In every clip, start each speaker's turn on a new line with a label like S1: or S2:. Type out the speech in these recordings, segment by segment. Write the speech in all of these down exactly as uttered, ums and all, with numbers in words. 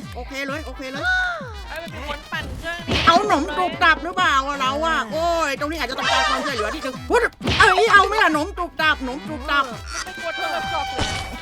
S1: โอเคเลยโอเคเลย
S2: ไอ้เป็นคนปั่นเครื่องนี้
S1: เอาหนมกรุบกรับหรือเปล่าอะเราอะโอ้ยตรงนี้อาจจะต้องการความช่วยเหลือที่นึงพุทธเอ้ยเอาไหมล่ะหนมกรุบกรับหนมกรุบกรับ
S2: ไม่กลัวโทรศัพท์เลย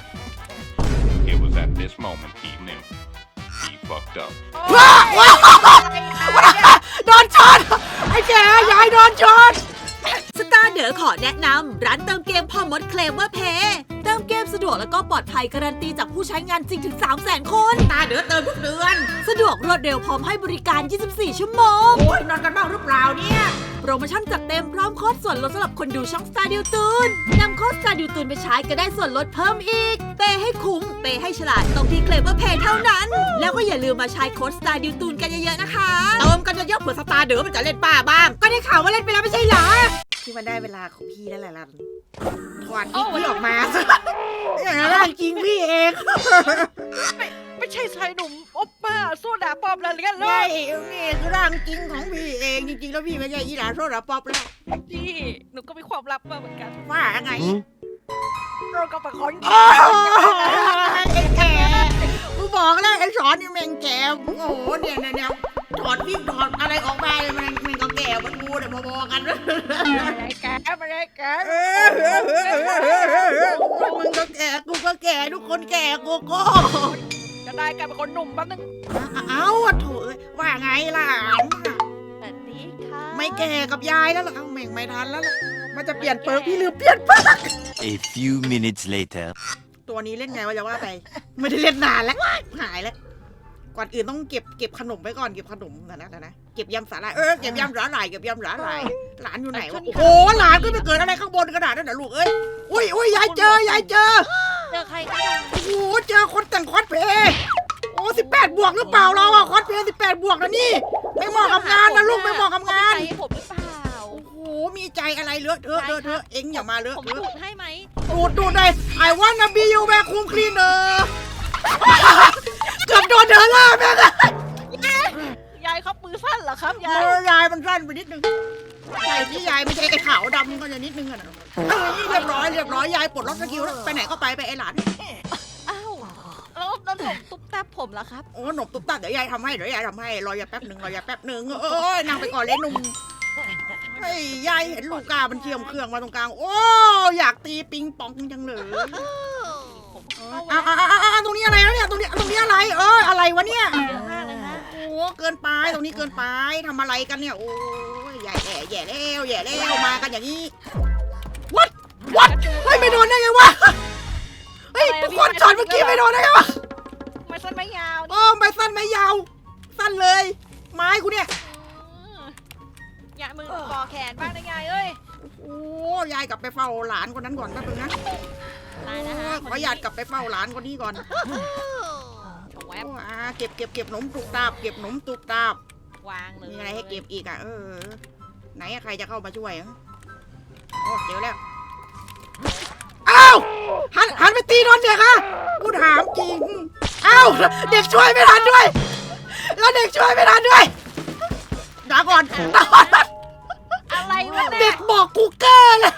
S3: It was at this moment he knew. He fucked up.
S1: ว้าว้าโดนช็อตไอ้แกยายโดนช็อต
S4: สตาร์เดอขอแนะนำร้านเติมเกมพ่อมดเคลมว่าเพย์เติมเกมสะดวกแล้วก็ปลอดภัยการันตีจากผู้ใช้งานจริงถึง สามแสน คน
S1: ตาเดือดเติมทุกเดือน
S4: สะดวกรวดเร็วพร้อมให้บริการ ยี่สิบสี่ ชั่วโมง
S1: โอ้ยนอนกันบ้างหรือเปล่าเนี่ย
S4: โปรโมชั่นจัดเต็มพร้อมโค้ดส่วนลดสำหรับคนดูช่องสตาร์ดิวตูนนำโค้ดสตาร์ดิวตูนไปใช้ก็ได้ส่วนลดเพิ่มอีก เปย์ให้คุ้ม เปย์ให้ฉลาดตรงที่เคลมว่าเพย์เท่านั้น แล้วก็อย่าลืมมาใช้โค้ดสตาร์ดิวตูนกันเยอะๆนะคะ
S1: เติมกันเยอะๆเผื่อสตาร์เดือมันจะเล่นป้าบ้างก็ได้ข่าวว่าเล่นไปแล้วไม่ใช่เหรอที่มันได้เวลาของพี่แล้วแหละลันถอดอีกพี่ออกมาอย่างนั้นจริงพี่เอง
S2: ไม่ใช่ชายหนุ่มโอปป้าโซดาปอบอะไรกันเล
S1: นี่
S2: ย
S1: นี่คือร่างจริงของพี่เองจริงๆแล้วพี่ไม่ใช่อีหลาโซดาป๊อปแล้ว
S2: พี่หนูก็มีความลับมาเหมือนกัน
S1: ว่าไง
S2: เราก็เป็นคน
S1: โอ้ยไอ้แกกูบอกแล้วไอ้สอนนี่แม่งแกโอ้โหเนี่ยเนี่ยเนี่ยถอดวิ่งถอดอะไรออกมาเลยมันมันก็แก่มันกูเนี่ยพอๆกัน
S2: อะไรแกอะไรแก
S1: เออมึงก็แก่กูก็แก่ทุกคนแก่กูก็
S2: จะได้กลายเป็นคนหนุ่มแป๊บนึง
S1: เอ้าโถ่ว่าไงล่ะ
S2: สวัสดีค่ะ
S1: ไม่แก่กับยายแล้วล่ะเอ้าแม่งไม่ทันแล้วล่ะมันจะเปลี่ยนเปิร์กพี่ลืมเปลี่ยนเปิร์ก
S5: A few minutes later.
S1: ตัวนี้เล่นไงวะจะว่าไปไม่ได้เล่นนานแล้วหายแล้วก่อนอื่นต้องเก็บเก็บขนมไว้ก่อนเก็บขนมนะนะนะเก็บยำสาหร่ายเออเก็บยำสาหร่ายเก็บยำสาหร่ายหลานอยู่ไหนวะโอ้โหหลานก็ไปเกิดอะไรข้างบนขนาดนั้นเหรอลูกเอ้ยอุ้ยอุ้ยยายเจอยายเจอ
S2: เจอใครกัน
S1: โอ้โหเจอคนแต่งคอสเพลย์โอ้สิบแปดบวกหรือเปล่าเราอะคอสเพลย์สิบแปดบวกนะนี่ไม่เหมาะกับงานนะลูกไม่เหมาะกับงาน
S2: ใครผมหรือเปล่า
S1: โอ้โหมีใจอะไรเลอะเทอะเลอะเทอะเอ็งอย่ามาเลอะ
S2: ผม
S1: เทอะ
S2: ดูดให้ไหม
S1: ดูดดูดเลยไอ้วันนะบียูแวร์คุมคลีนเนอร์เกือบโดนเธอล่าแม่ง
S2: ยายเขามือสั้นเหรอครับยาย
S1: มือยายมันสั้นไปนิดนึงใช่ที่ยายไม่ใช่ไอ้ขาวดำก็จะนิดนึงอะนะเอ้ยเรียบร้อยเรียบร้อยยายปลดล็อกสกิลแล้วไปไหนก็ไปไปไอ้หลาน
S2: อ้าวแล้วแล้วผมตุ๊บตับผมล่ะครับ
S1: โอ้หนมตุ๊บตับเดี๋ยวยายทำให้เดี๋ยวยายทำให้รอยาแป๊บหนึ่งรอยาแป๊บหนึ่งเอ้ยนั่งไปก่อนเลยหนุ่มเฮ้ยยายเห็นลูกกามันเทียมเครื่องมาตรงกลางโอ้อยากตีปิงปองจังเลย
S2: ผม
S1: อ้าวอ้าวอ้าวอ้าวตรงนี้อะไรแล้วเนี่ยตรงนี้ตรงนี้อะไรเอออะไรวะเนี่ย
S2: เยอะมากเลยฮะ
S1: โอ้เกินไปตรงนี้เกินไปทำอะไรกันเนี่ยโอ้ยใหญ่แย่แย่แล้วแย่แล้วมากันอย่างนี้วัดวัดเฮ้ยไม่โดนได้ไงวะเฮ้ยทุกคนช็อตเมื่อกี้ไม่โดนได้ไงวะ
S2: ไม่สั้นไม่ยาว
S1: โอ้ไม่สั้นไม่ยาวสั้นเลยไม้กูเนี่ย
S2: ยายมือก่อแขนบ้างนะยายเอ้ย
S1: โอ้ยายกลับไปเฝ้าหลานคนนั้นก่อนแป๊บนึงนะ
S2: ตายนะฮะ
S1: ขอหยาดกลับไปเฝ้าหลานคนนี้ก่อน
S2: แว
S1: โอ้
S2: บ
S1: อ่าเก็บเก็บเก็บหนมตุกตาบเก็บหนมตุกตาบ
S2: วางเลย
S1: มีอะไรให้เก็บอีกอ่ะเออไหนอะใครจะเข้ามาช่วยอะโอ้เจอแล้วอ้าวหันหันไปตีโดนเด็กอะกูถามจริงอ้าวเด็กช่วยไม่ทันด้วย แล้วเด็กช่วยไม่ทันด้วยด่าก่อนด่าก่อน
S2: อะไรวะ
S1: เด็
S2: เนี่ย
S1: กบอกกูเกอร์เลย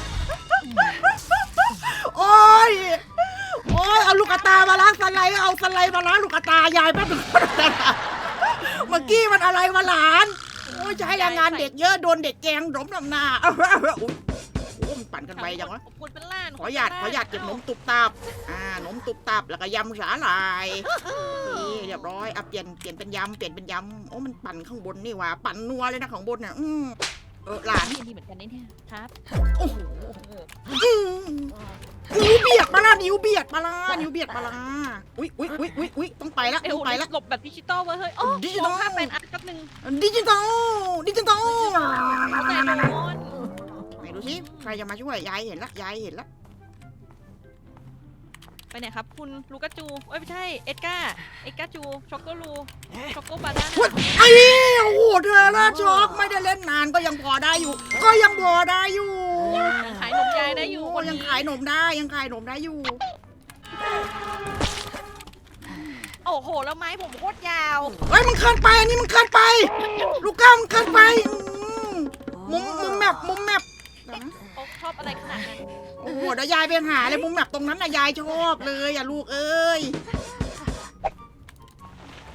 S1: โอ้ยโอ้ยเอาลูกตามาล้างสไลด์เอาสไลด์มาล้างลูกตายายแป๊บนึงเมื่อกี้มันอะไรมาหลานโอ้ยใช้แรงงานเด็กเยอะโดนเด็กแกงหลมลำหน้าโอ้ยโอ้ยมันปั่นกันไปจังวะ
S2: ผมพูดเป็นล้าน
S1: ขอหยาดขอหยาดเก็บหนมตุบตับอ่าหนมตุบตับแล้วก็ยำสาหร่ายนี่เรียบร้อยอ่ะเปลี่ยนเปลี่ยนเป็นยำเปลี่ยนเป็นยำโอ้มันปั่นข้างบนนี่หว่าปั่นนัวเลยนะข้างบนเนี่ยอืมเออหลาน
S2: นี่ดีเหมือนกันนี่เนี่ยครับ
S1: โอ้โหอืมนิ้วเบียดมาละนิ้วเบียดมาละนิ้วเบียดมาละอุ้ยอุ้ยอุ้ยอุ้ยอุ้ยต้องไปละ
S2: เอ้
S1: ต้องไปละ
S2: หลบแบบดิจิตอลเว้ยเฮ้ยโอ้
S1: ดิจิตอล
S2: ภาพเป็นอันแป๊บนึง
S1: ดิจิตอลดิจิตอล
S2: เอาแต่โดน
S1: ไหนดูสิใครจะมาช่วยยายเห็นละยายเห็นละ
S2: ไปไหนครับคุณลูกาจูเอ้ยไม่ใช่เอ็ดการ์เอ็ดการ์จูช็อกโกลูช็อกโกบานา
S1: เฮ้ยไอ้โอ้โหเธอละช็อกไม่ได้เล่นนานก็ยังพอได้อยู่ ก็ยังพอได้อยู่
S2: ยังขายนมยายได้อยู่
S1: โ
S2: คน
S1: ยัง
S2: นี้
S1: ขายหนมได้ยังขายหนมได้อยู่
S2: โอ้โหแล้วไม้ผมโคตรยาว
S1: เฮ้ยมันเกินไปอันนี้มันเกินไปลูกก้ามันเกินไปอืมมุมมุมแมปมุมแมป
S2: เขาชอบอะไรขนาดนั้น
S1: โอ้โหเดี๋ยวยายไปหาเลยมุมแมปตรงนั้นนะยายชอบเลยอย่าลูกเอ้ย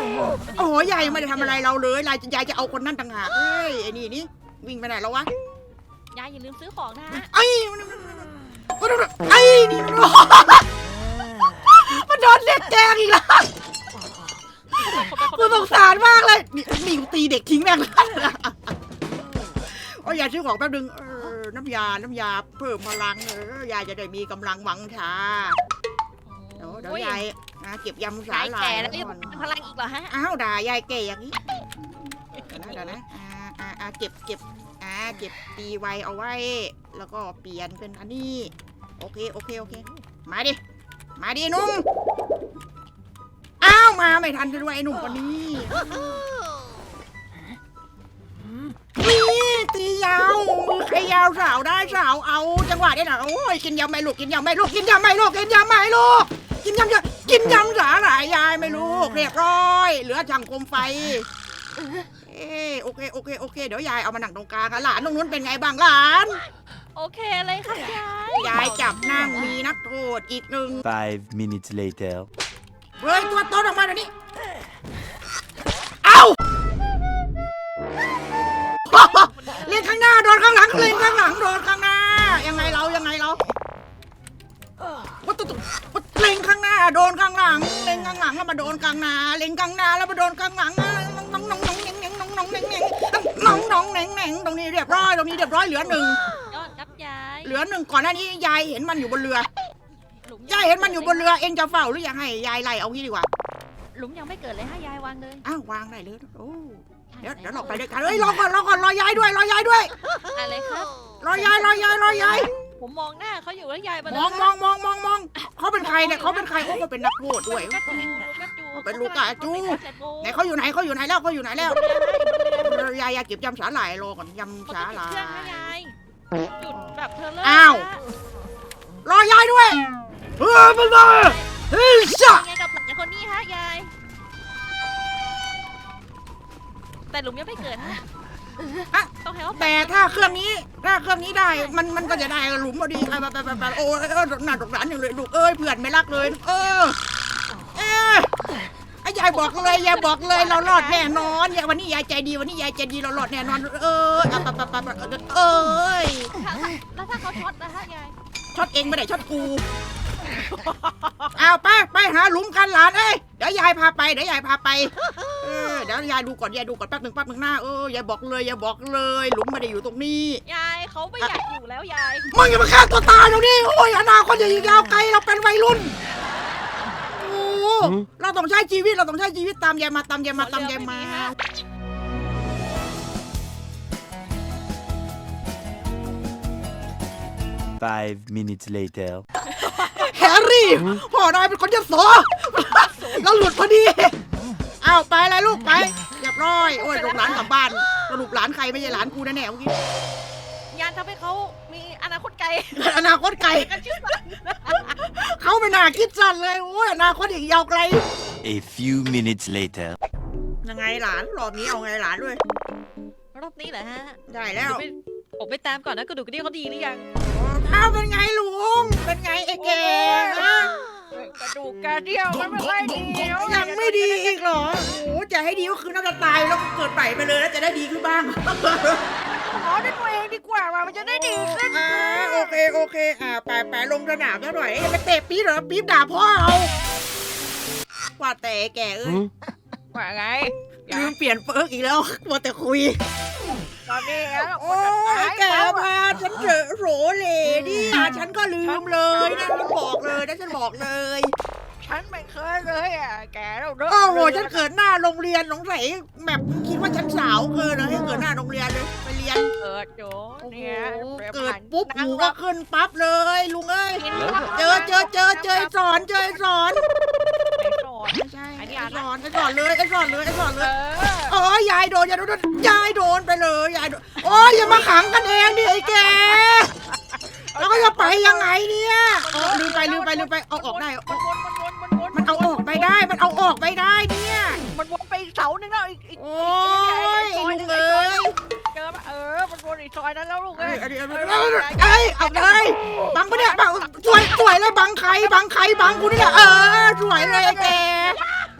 S1: โอ้ยยายยังไม่ได้ทำอะไรเราเลยยายยายจะเอาคนนั่นต่างหากเฮ้ยไอ้นี่นี่วิ่งไปไหนแล้ววะ
S2: ยายอย่าลืมซื้อของนะฮะ
S1: ไอ้ไอ้นี่มันโดนเด็กแกงอีกแล้วกูสงสารมากเลยนี่นี่กูตีเด็กทิ้งแม่งเลยโอ้ยยายซื้อของแป๊บนึงเออน้ำยาน้ำยาเพิ่มพลังเออยายจะได้มีกำลังวังชาเดี๋ยวเดี๋ยวยายนะเก็บยำสาย
S2: าย
S1: ลา
S2: แก่
S1: ย
S2: แล้วยังมีพลังอีกเหรอฮะ
S1: อ้าวด่ายายแก่อย่างนี้เดี๋ยวนะเดี๋ยวนะอ่าอ่าอ่าเก็บเก็บอ่าเก็บตีไวเอาไว้ แล้วก็เปลี่ยนเป็นอันนี้โอเคโอเคโอเคมาดิมาดิหนุ่มอ้าวมาไม่ทันซะด้วยไอ้หนุ่มคนนี้นี่ตียาวมือใครยาวสาวได้สาวเอาจังหวะนี้นะโอ้ยกินยำไม่ลูกกินยำไม่ลูกกินยำไม่ลูกกินยำไม่ลูกกินยำเยอะกินยำสาหร่ายยายไม่ลูกเรียบร้อยเหลือช่างโคมไฟเออโอเคโอเคโอเคเดี๋ยวยายเอามานั่งตรงกลางอะหลานตรงนู้นเป็นไงบ้างหลาน
S2: โอเคเลยค่ะยาย
S1: ยายจับนั่งมีนักโทษอีกหนึ่ง
S5: Five minutes later.
S1: เฮ้ยตัวโตออกมาเดี๋ยวนี้เอ้า เล่นข้างหน้าโดนข้างหลังเล่นข้างหลังโดนข้างหน้ายังไงเรายังไงเราวัตถุวัตเล่นข้างหน้าโดนข้างหลังเล่นข้างหลังแล้วมาโดนข้างหน้าเล่นข้างหน้าแล้วมาโดนข้างหลังน้องน้องน้องเน่งเน่งน้องน้องเน่งเน่งน้องน้องเน่งเน่งตรงนี้เรียบร้อยตรงนี้เรียบร้อยเหลือหนึ่ง
S2: ยอดครับยาย
S1: เหลือหนึ่งก่อนหน้านี้ยายเห็นมันอยู่บนเรือ
S2: หลุม
S1: ยายเห็นมันอยู่บนเรือเองจะเฝ้าหรือยังให้ยายไล่เอางี้ดีกว่า
S2: หลุมยังไม่เกิดเลยฮะยายวางเลย
S1: อ้าววางได้เลยโอ้เดี๋ยวเดี๋ยวเราไปด้วยกันเฮ้ยรอก่อนรอก่อนรอยายด้วยรอยายด้วย
S2: อะไรครับ
S1: รอยายรอยายรอยาย
S2: ผมมองหน้าเขาอยู่แล้วยาย
S1: มองมองมองมองมองเขาเป็นใครเนี่ยเขาเป็นใครเขาก็เป็นนักโทษด้วย
S2: ลูกกระจู
S1: เป็นลูกกระจู ไหนเขาอยู่ไหนเขาอยู่ไหนแล้วเขาอยู่ไหนแล้วยายยายเก็บยำสาหร่ายรอก่อนยำสาหร่า
S2: เครื่องนะ
S1: ย
S2: ยายจุดแบบเธอเลิก
S1: อ้าว รอยายด้วยเฮ้ยมันมาเฮ้ยจ้า
S2: ไงกับหลานคนนี้ฮะยายแต่หลุมยังไม่เกิดฮะต้องให้เขา
S1: แต่ถ้าเครื่องนี้ถ้าเครื่องนี้ได้มันมันก็จะได้หลุมพอดีไปไปไปไปโอ้ยหน้าตกหลานอย่างเลยลูกเอ้ยเพื่อนไม่รักเลยเออเออไอ้ยายบอกเลยยายบอกเลยเรารอดแน่นอนยายวันนี้ยายใจดีวันนี้ยายใจดีเรารอดแน่นอนเอออ่ะไปไปไปไปเอ้ย
S2: แล้วถ้าเขาช็อตนะฮะยาย
S1: ช็อตเองไม่ได้ช็อตกูเอาไปไปหาหลุมกันหลานเอ้ยเดี๋ยวยายพาไปเดี๋ยวยายพาไปเออเดี๋ยวยายดูก่อนยายดูก่อนแป๊บหนึ่งแป๊บหนึ่งหน้าเออยายบอกเลยยายบอกเลยหลุมไม่ได้อยู่ตรงนี้
S2: ยายเขาไม่อยากอยู่แล้วยาย
S1: มึงอย่ามาฆ่าตัวตายเดี๋ยวนี้โอ้ยอนาคตอย่ายิงยาวไกลเราเป็นวัยรุ่นโอ้เราต้องใช้ชีวิตเราต้องใช้ชีวิตตามยายมาตามยายมาตามยายมา
S5: Five minutes later.
S1: แฮร์รี่พ่อนายเป็นคนยโสเราหลุดพอดีเอาไปเลยลูกไปเรียบร้อยโอ้ยลูกหลานกลับบ้านสรุปหลานใครไม่ใช่หลานกูแน่ๆเมื่อกี้
S2: ยายทำให้เขามีอนาคตไกล
S1: อนาคตไกล
S2: กันชื่อสัน
S1: เขาไม่น่าคิดสั้นเลยโอ้ยอนาคตอีกยาวไกล
S5: A few minutes later.
S1: ยังไงหลานรอบนี้เอาไงหลานด้วย
S2: รอบนี้เหรอฮะ
S1: ได้แล้ว
S2: ผมไปตามก่อนนะกระดูกกระเดี่ยวเขาดีหรือยัง
S1: อ้าวเป็นไงลุงเป็นไงไอ้แกฮะ
S2: กระดูกกระเดี่ยวมันไม่ค่อยดี
S1: ยังไม่ดีอีกเหรอโอ้จะให้ดีก็คือน่าจะตายแล้วก็เกิดใหม่ไปเลยแล้วจะได้ดีขึ้นบ้าง
S2: ขอด้วยตัวเองดีกว่าว่ามันจะได้ดีขึ้น
S1: อ่าโอเคโอเคอ่าไปไปลงสนามแล้วหน่อยอย่าไปเตะปี๊บเหรอปี๊บด่าพ่อเอาว่าแต่แกเอ้ย
S2: ว่าไง
S1: ลืมเปลี่ยนเปิร์กอีกแล้วมัวแต่คุย
S2: ตอนนี้แล้ว
S1: โอ้ยแกพาฉันเถอะโหเหล่ดิฉันก็ลืมเลยนะฉันบอกเลยนะฉันบอกเลย
S2: ฉันไม่เคยเลยอ่ะแกเราเด้
S1: โอ้โหฉันเกิดหน้าโรงเรียนสงสัยแบบคิดว่าฉันสาวเกินเลยให้เกิดหน้าโรงเรียนเลยไปเรียน
S2: เกิดโจ
S1: โอ้โห
S2: เนี่ย
S1: เกิดปุ๊บหูก็ขึ้นปั๊บเลยลุงเอ้ยเจอเจอเจอเจอไอ้สอนเจอไอ้สอน
S2: สอน
S1: ไม่ใช่
S2: ไอ้
S1: ไอ้
S2: นี่อ่าน
S1: สอนไอ้สอนเลยไอ้สอนเลยไอ้สอน
S2: เอ
S1: เลย
S2: อ
S1: โอ้ยยายโดนยายโดนยายโดนไปเลยยายโดนโอ้ยอย่ามาขังกันเองดิไอ้แกแล้วก็จะไปยังไงเนี่ยเออลืมไปลืมไปลืมไปเอาออกได้
S2: มันวนมันวนมันวน
S1: มันเอาออกไปได้มันเอาออกไปได้เนี่ย
S2: มันวนไปเสาหนึ่งแล้วอีกอีก
S1: โอ้ยลุงเอ้ย
S2: เจอเออมันวนอีกซอยนั้นแล้วลูก
S1: เอ้
S2: เอ้
S1: ย
S2: ย
S1: เอ้ยเอาเลยบังปะเนี่ยบังสวยสวยเลยบังใครบังใครบังกูนี่แหละเออสวยเลยไอ้แก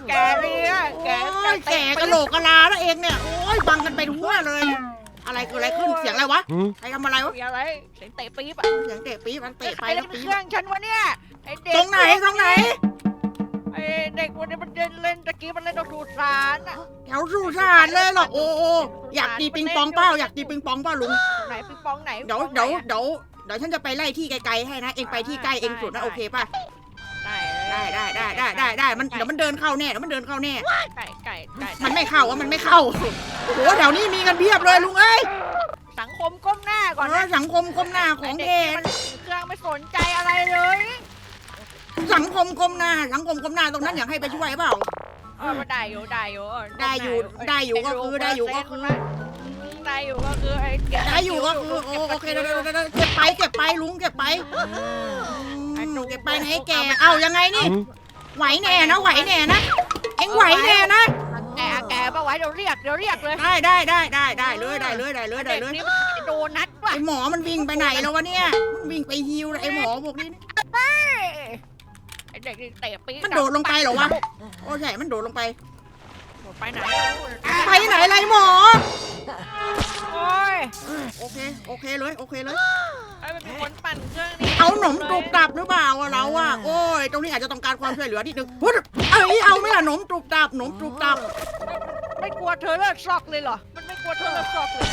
S2: แกเนี่ยแก
S1: โอ้ยแก่กะโหลกกะลาแล้วเองเนี่ยโอ้ยบังกันไปทั่วเลย อะไรเกิดอะไรขึ้นเสียงอะไรวะใครทำอะไรวะ
S2: เสียงอะไรเสียงเตะปี๊บอะ
S1: เสียงเตะปี๊บมันเตะไป
S2: ใคร
S1: แล้
S2: เล่
S1: วน ปี๊
S2: เครื่องฉันวะเนี่ยไอเด็ก
S1: ตรงไหนตรงไหน
S2: ไอเด็กวันนี้มันเดินเล่นตะกี้มันเล่นดอกดูสารอะ
S1: แถวสุสานเลยเหรอโอ้โอ้อยากตีปิงปองเป้าอยากตีปิงปองเป้าลุง
S2: ไหนปิงปองไหน
S1: เดี๋ยว
S2: ปิงป
S1: เดี๋ยว
S2: องไหนอะ
S1: เดี๋ยวเดี๋ยวฉันจะไปไล่ที่ไกลๆให้นะเองไปที่ใกล้เองสุดนะโอเคป่ะ
S2: ได้
S1: ได้ได้ได้ได้ได้ได้มันเดี๋ยวมันเดินเข้าแน่เดี๋ยวมันเดินเข้าแน่
S2: ไก่ไก่ไก่
S1: มันไม่เข้าอ่ะมันไม่เข้าโอ้โหแถวนี้มีกันเพียบเลยลุงเอ้ย
S2: สังคมก้มหน้าก่อน
S1: เอ
S2: นะ
S1: อสังคมก้มหน้าของเท
S2: ได็กมันเครื่องไม่สนใจอะไรเลย
S1: สังคมก้มหน้าสังคมก้มหน้าตรงนั้นอยากให้ไปช่วยเปล่า
S2: เออมันได้อยู่ได้อยู่
S1: ได้อยู่ได้อยู่ก็คือได้อยู่ก็คือ
S2: ได้อยู่ก็คือไอ้เก็บ
S1: ได้อยู่ก็คือโอโอเคเดี๋ยวเดี๋ยวเดี๋ยวเดี๋ยวเก็บไปเก็บไปลุงเก็บไป
S2: ไอ้หนู
S1: เก็บไปไหนแกเอายังไงนี่ไหวแน่นะไหวแน่นะเอ็งไหวแน่นะ
S2: แกแกปะไว้เดี๋ยวเรียกเดี๋ยวเรียกเลย
S1: ได้ได้ได้ได้ได้เลยได้เลยได้เลยได้
S2: เด็ก
S1: เลย
S2: นี่มันโดนัทว่ะ
S1: ไอหมอมันวิ่งไปไหนแล้ววะเนี่ยมันวิ่งไปฮิวเลยไอหมอพวกนี้
S2: ไอ้เด็กนี่เตะปี๊
S1: มันโดดลงไปเหรอวะโอ้ใช่มันโดดลงไป
S2: โดดไปไหน
S1: ไปไหนไรหมอ
S2: โอ้ย
S1: โอเคโอเคเลยโอเคเลย
S2: ไอ้มันเป็นคนปั่นเครื่องนี่
S1: เอาหนมตรุบตับหรือเปล่าอะเราอะโอ้ยตรงนี้อาจจะต้องการความช่วยเหลือนิดนึงพุทธเอ้ยเอาไหม่ล่ะหนมตรุบตับหนมตรุบตับ
S2: ไม่กลัวเธอเลิกซอกเลยเหรอมันไม่กลัวเธอเลิกซอกเลย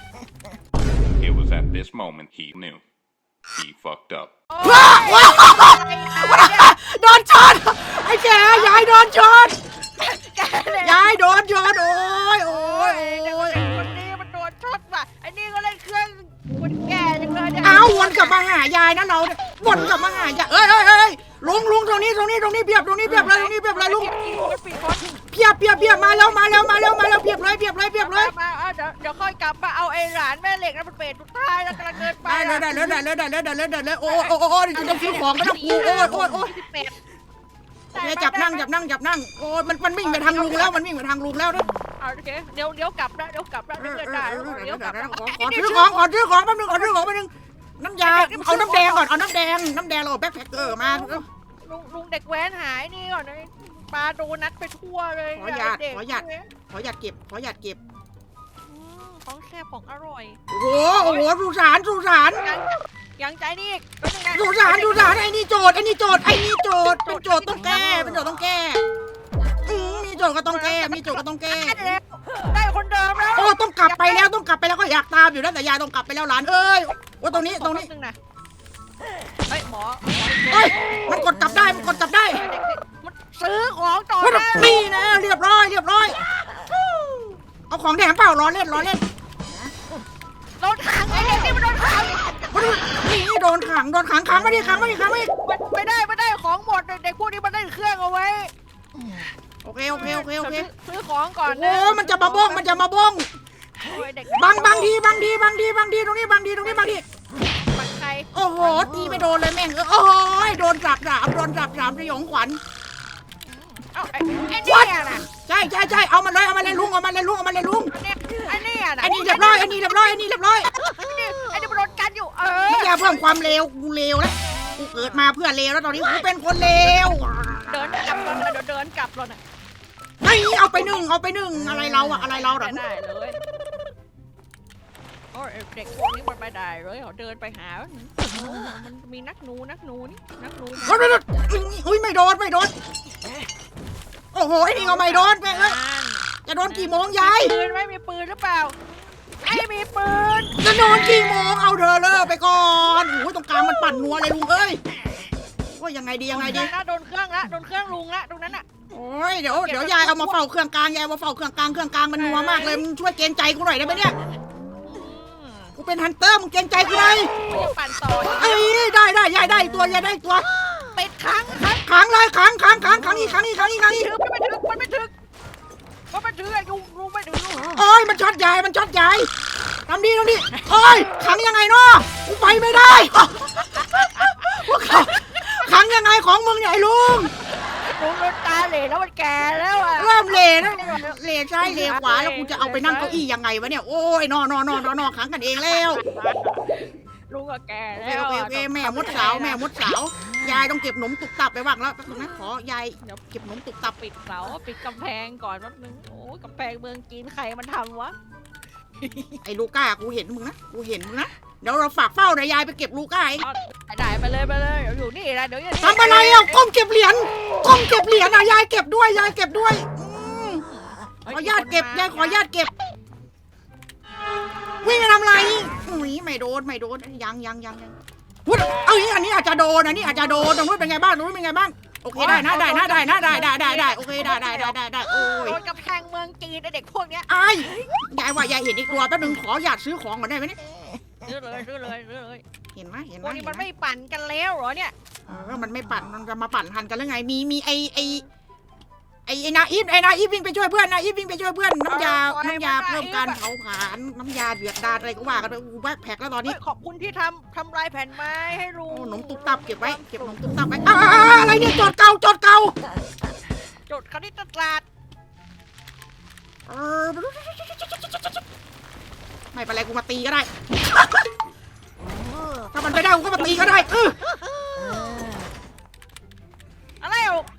S3: It was at this moment he knew. He fucked up.
S1: ว้าว้าโดนชนไอ้แกยายโดนชนยายโดนชนโอ้ยโอ้ยโอ้ย
S2: คนนี้มันโดนช็อตว่ะไอ้นี่ก็เล่นเครื่องคนแก่จังเลยเนี่ย
S1: เอาวนกลับมาหายายนะเราเนี่ยวนกลับมาหายายเอ้ยเอ้ยเอ้ยลุงลุงตรงนี้ตรงนี้ตรงนี้เพียบตรงนี้เพียบเลยตรงนี้เพียบเลยลุง
S2: มันปิดคน
S1: เพียบเพียบเพียบมาแล้วมาแล้วมาแล้วมาแล้วเพียบเลยเพียบเลยเพียบเลย
S2: มาเอาเดี๋ยวเดี๋ยวค่อยกลับมาเอาไอ้หลานแม่เหล็กนั่นมันเป็ดสุดท้ายแล้วกำลังเดินไป
S1: ได้เลยได้เลยได้เลยได้เลยได้เลยได้เลยโอ้โอ้โอ้โอ้จะต้องซื้อของไม่ต้องกูโอ้ยโอ้ยโอ้ย
S2: สิบเป็ด
S1: โอเคจับนั่งจับนั่งจับนั่งโอ้ยมันมันวิ่งไปทางลุงแล้วมันวิ่งไปทางลุงแล้วนะ
S2: เอาโอเคเดี๋ยวเดี๋ยวกลับนะเดี๋ยวกลับนะเดี๋ยวเดินได้เดี๋ยวกลับนะ
S1: ขอขอซื้อของขอซื้อของแป๊บนึงขอซื้อของแป๊บนึงน้ำยาเอาน้ำแดงก่อนเอาน้ำแดงน้ำแดงเราแบ็คแพ็คเกอร์มา
S2: ลุงลุงเด็กแว้นหายนี่ก่อนนะปลาโดนัทไปทั่วเลย
S1: ขอหยาด
S2: เด็ก
S1: ขอหยาดขอหยาดเก็บขอหยาดเก็บ
S2: อืมของแซ่บของอร่อย
S1: โอ้โหโอ้โหสุสานสุสาน
S2: ยังยังใจนี่อีกแป๊บนึงนะ
S1: สุสานสุสานไอ้นี่โจทย์ไอ้นี่โจทย์ไอ้นี่โจทย์เป็นโจทย์ต้องแก้เป็นโจทย์ต้องแก้อืมมีโจทย์ก็ต้องแก้มีโจทย์ก็ต้องแก้
S2: ได้แล้วได้คนเดิมแล้ว
S1: โอ้ต้องกลับไปแล้วต้องกลับไปแล้วก็อยากตามอยู่แล้วแต่ยายต้องกลับไปแล้วหลานเอ้ยว่าตรงนี้ตรงนี้
S2: แป๊บนึงนะเฮ้ยหมอ
S1: เฮ้ยมันกดกลับได้มันกดกลับได้
S2: เด็กๆมันซื้อของต่อ
S1: ว่า
S2: ได้
S1: นี่นะเรียบร้อยเรียบร้อยเอาของแถมเปล่าล้อเล่นล้อเล่น
S2: โดนขังไอ้เด็กนี่มันโดนขัง
S1: นี่โดนขังโดนขังขังมาดิขังมาดิขังมาดิ
S2: มันไม่ได้ไม่ได้ของหมดเด็กพวกนี้มันได้เครื่องเอาไว้
S1: โอเคโอเคโอเคโอเค
S2: ซื้อของก่อน
S1: โอ้มันจะมาบ้งมันจะมาบ้ง
S2: โอ้ยเด็ก
S1: บางบางทีบางทีบางทีบางทีตรงนี้บางทีตรงนี้บางที
S2: บังใคร
S1: โอ้โหตีไม่โดนเลยแม่งเออโอ้โหโดนสับสามโดนสับสามสยองขวัญ
S2: เอ้าไอ้ไอ้เนี่ยน่ะ
S1: ใช่ใช่ใช่เอามันเลยเอามันเลยลุงเอามันเลยลุงเอามันเลยลุง
S2: ไอ้เนี่ยน่ะ
S1: ไอ้นี่เรียบร้อยไอ้นี่เรียบร้อยไอ้นี่เรียบร้อย
S2: ไอ้นี่มันโดนกันอยู่เออ
S1: มึงอย่าเพิ่มความเลวกูเลวแล้วกูเกิดมาเพื่อเลวแล้วตอนนี้กูเป็นคนเลว
S2: เดินกลับแล้วนะเดี๋ยวเดินกลับแล้วนะ
S1: ไอ้เอาไปหนึ่งเอาไปหนึ่งอะไรเราอะอะไรเราหรอ
S2: ได้เลยโอ้ยเด็กพวกนี้มันไปได้เลยเขาเดินไปหามันมีนักหนูนักหนูนี่นักหนู
S1: โอ้ยอุ้ยไม่โดนไม่โดนโอ้โหไอ้นี่ก็ไม่โดนแม่งเอ้ยจะโดนกี่โมงยาย
S2: ปืนไม่มีปืนหรือเปล่าไอ้มีปืน
S1: จะโดนกี่โมงเอาเธอเลิกไปก่อนโอ้ยตรงกลางมันปั่นนัวเลยลุงเอ้ยว่ายังไงดียังไงดี
S2: โดนเครื่องละโดนเครื่องลุงละตรงนั้นอ่ะ
S1: โอ้ยเดี๋ยวเดี๋ยวยายเอามาเฝ้าเครื่องกลางยายเอามาเฝ้าเครื่องกลางเครื่องกลางมันนัวมากเลยมึงช่วยเกณฑ์ใจกูหน่อยได้ไหมเนี่ยกูเป็นฮันเตอร์มึงเกณฑ์ใจกูหน่อย
S2: มันจะปั่นต่อ
S1: เอ้ยได้ได้ยายได้ตัวยายได้ตัว
S2: ปิดค้างค้าง
S1: ขังเลยขังขังขังขังอีกขังอีกขังอีกขังอีก
S2: ถือมันไม่ถึงมันไม่ถึงมันไม่ถึงไอ้ลุงลุงไม่ถึง
S1: โอ้ยมันช็อตยายมันช็อตยายทำดีทำดีโอ้ยขังยังไงเนาะกูไปไม่ได้พวกเขาขังยังไงของมึงเนี่ยไอ้ลุง
S2: ลุงโดนตาเหล่แล้วมันแก่แล้วอ่ะ
S1: เริ่มเหล่นะเหล่ซ้ายเหล่ขวาแล้วกูจะเอาไปนั่งเก้าอี้ยังไงวะเนี่ยโอ้ยนอนนอนนอนนอนขังกันเองแล้ว
S2: ลุงก็แก่
S1: โอเค
S2: แล้ว
S1: โอเคโอเคแม่มดสาวแม่มดสาวยายต้องเก็บหนมตุกตับไปบ้างแล้วแป๊บนึงนะขอยายเดี๋ยวเก็บหนมตุกตับ
S2: ปิดเสาปิดกำแพงก่อนแป๊บนึงโอ้ยกำแพงเมืองจีนใครมันทำวะ
S1: ไอ้ลูก้ากูเห็นมึงนะกูเห็นมึงนะเดี๋ยวเราฝากเฝ้านะยายไปเก็บลูก้าเอง
S2: เอาได้ไปเลยไปเลยเดี๋ยวอยู่นี่นะเดี๋ยวอยู่นี่
S1: ทำอะไรอ่ะก้มเก็บเหรียญก้มเก็บเหรียญอ่ะยายเก็บด้วยยายเก็บด้วยอืมขออนุญาตเก็บยายขออนุญาตเก็บวิ่งไปทำอะไรอุ้ยไม่โดนไม่โดนยังยังยังยังวุ้ยเอ้ยอันนี้อาจจะโดนอันนี้อาจจะโดนตรงนู้นเป็นไงบ้างตรงนู้นเป็นไงบ้างโอเคได้นะได้นะได้นะได้ได้ได้ได้โอเคได้ได้ได้ได้ได้โอ้ย
S2: โดนกำแพงเมืองจีนไอ้เด็กพวกเนี้ย
S1: ไอ้ายยายว่ายายเห็นอีกตัวแป๊บนึงขออยากซื้อของก่อนได้ไหมเนี่ย
S2: ซื้อเลยซื้อเลยซื้อเลย
S1: เห็นไหมเห็นไห
S2: พ
S1: ม
S2: วกนี้
S1: เห็
S2: มัน
S1: ไห
S2: ไม่ปั่นกันแล้วเหรอเนี่ย
S1: เออมันไม่ปั่นมันจะมาปั่นทันกันหรือไงมีมีไอไอไอไอนาอีฟไอนาอีฟวิ่งไปช่วยเพื่อนนาอีฟวิ่งไปช่วยเพื่อนน้ำยาน้ำยาเพิ่มการเผาผลาญน้ำยาเดือดดาลอะไรก็ว่ากันไปอูแบกแพ็คแล้วตอนนี้
S2: เฮ้ยขอบคุณที่ทำทำลายแผ่นไม้ให้ลุ
S1: โอ้
S2: ง
S1: หนมตุ๊บตับเก็บไว้เก็บหนมตุ๊บตับไว้อ้าวอะไรเนี่ยจดเก่าจดเก่า
S2: จดคณิตศาสตร์
S1: เออไม่เป็นไรกูมาตีก็ได้ ถ้ามันไม่ได้กูก็มาตีก็ได้เออ
S2: อะไรอ่ะ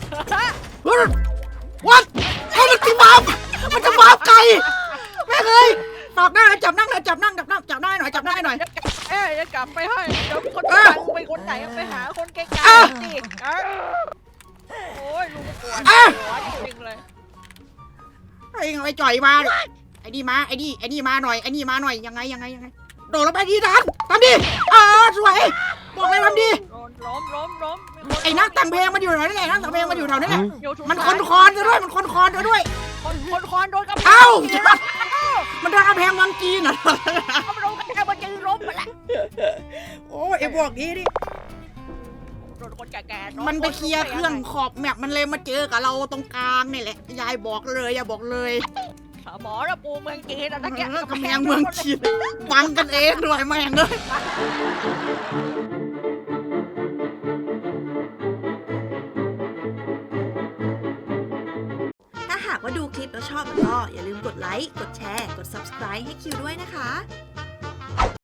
S1: วัดไอ้มันตีบาปมันจะบาปไก่แม่เลยฝากหน้าจับนั่งเลยจับนั่งจับนั่งจับหน้าหน่อยจับหน้าหน่อย
S2: เอ้ยจะกลับไปให้เดี๋ยวคน
S1: เออ
S2: ฟังไปคนไหนไปหาคนไกล
S1: เออ
S2: ๆสิเออโอ้ยลุงปวด
S1: เออ
S2: หัวจริงๆเลย
S1: ไอ้ไอ้จ่อยมาดิไอ้นี่มาไอ้นี่ไอ้นี่มาหน่อยไอ้นี่มาหน่อยยังไงยังไงยังไงโดดลงไปดีดันทำดิอ่าสวยบอกเลยทำดิ
S2: โดนล้มล้มล้มมีค
S1: ไอ้นักแต่งเพลงมันอยู่แถวนี้แหละนักแต่งเพลงมันอยู่แถวนี้แหละ
S2: อยู่สุด
S1: มัน
S2: ท้าย
S1: คนคอนซะด้วยมันคนคอนซะด้วย
S2: คนคนคอนโดนกำแพง
S1: เอ้า
S2: จีน
S1: มันโดนกระแพงเมืองจีนเหรอ
S2: เขาโดนกำแพงมันจีนล้มไปละ
S1: โอ้ไอ้พวกนี้ดิ
S2: โดนคนแก่ๆล้
S1: มันไปเคลียร์เครื่องขอบแมปมันเลยมาเจอกับเราตรงกลางนี่แหละยายบอกเลยอย่าบอกเลย
S2: หมอระปูเมืองจีนอะตะเกียบ
S1: เออกำแพงเมืองจีนฟังกันเองด้วยแม่งเลย
S4: ถ้าหากว่าดูคลิปแล้วชอบก็อย่าลืมกดไลค์ กดแชร์ กด ซับสไครบ์ ให้คิวด้วยนะคะ